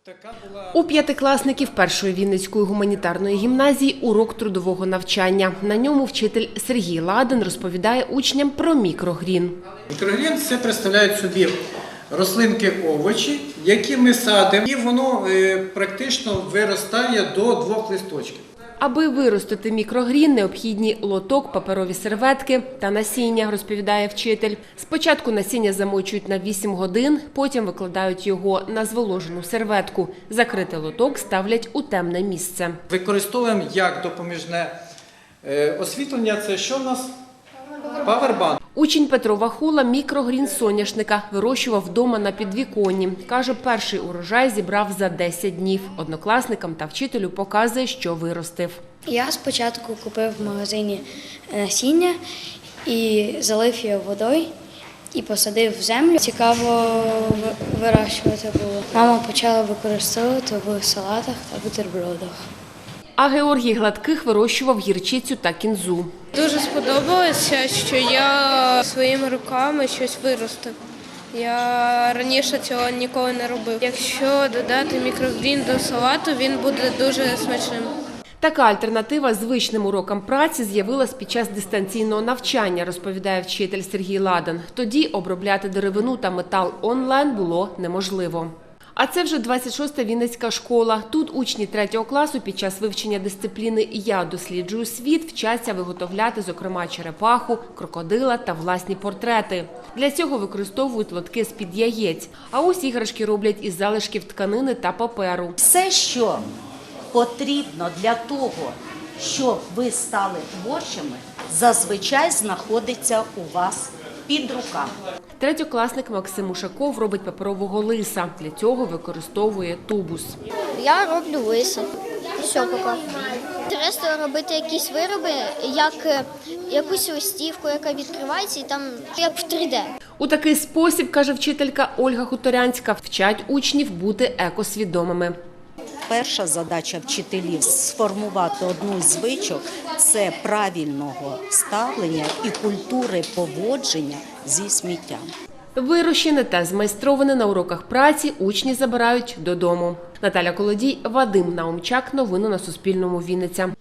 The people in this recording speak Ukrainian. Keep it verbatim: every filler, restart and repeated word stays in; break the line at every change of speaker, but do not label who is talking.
У п'ятикласників першої Вінницької гуманітарної гімназії урок трудового навчання. На ньому вчитель Сергій Ладен розповідає учням про мікрогрін.
Мікрогрін – це представляють собі рослинки, овочі, які ми садимо, і воно практично виростає до двох листочків.
Аби виростити мікрогрін, необхідні лоток, паперові серветки та насіння, розповідає вчитель. Спочатку насіння замочують на вісім годин, потім викладають його на зволожену серветку. Закритий лоток ставлять у темне місце.
Використовуємо як допоміжне освітлення. Це що в нас? Павербанк.
Учень Петро Вахула мікрогрін соняшника вирощував вдома на підвіконні. Каже, перший урожай зібрав за десять днів. Однокласникам та вчителю показує, що виростив.
Я спочатку купив в магазині насіння і залив його водою і посадив в землю. Цікаво вирощувати було. Мама почала використовувати в салатах та бутербродах.
А Георгій Гладких вирощував гірчицю та кінзу.
Дуже сподобалося, що я своїми руками щось виростив. Я раніше цього ніколи не робив. Якщо додати мікрогрін до салату, він буде дуже смачним.
Така альтернатива звичним урокам праці з'явилась під час дистанційного навчання, розповідає вчитель Сергій Ладен. Тоді обробляти деревину та метал онлайн було неможливо. А це вже двадцять шоста Вінницька школа. Тут учні третього класу під час вивчення дисципліни «Я досліджую світ» вчаться виготовляти, зокрема, черепаху, крокодила та власні портрети. Для цього використовують лотки з-під яєць. А ось іграшки роблять із залишків тканини та паперу.
Все, що потрібно для того, щоб ви стали творчими, зазвичай знаходиться у вас під руками.
Третьокласник Максим Ушаков робить паперового лиса. Для цього використовує тубус.
Я роблю лиса. Все, поки. Інтересно робити якісь вироби, як якусь листівку, яка відкривається, і там як в три де.
У такий спосіб, каже вчителька Ольга Хуторянська, вчать учнів бути екосвідомими.
Перша задача вчителів – сформувати одну з звичок – це правильного ставлення і культури поводження зі сміттям.
Вирощене та змайстроване на уроках праці учні забирають додому. Наталя Колодій, Вадим Наумчак. Новини на Суспільному. Вінниця.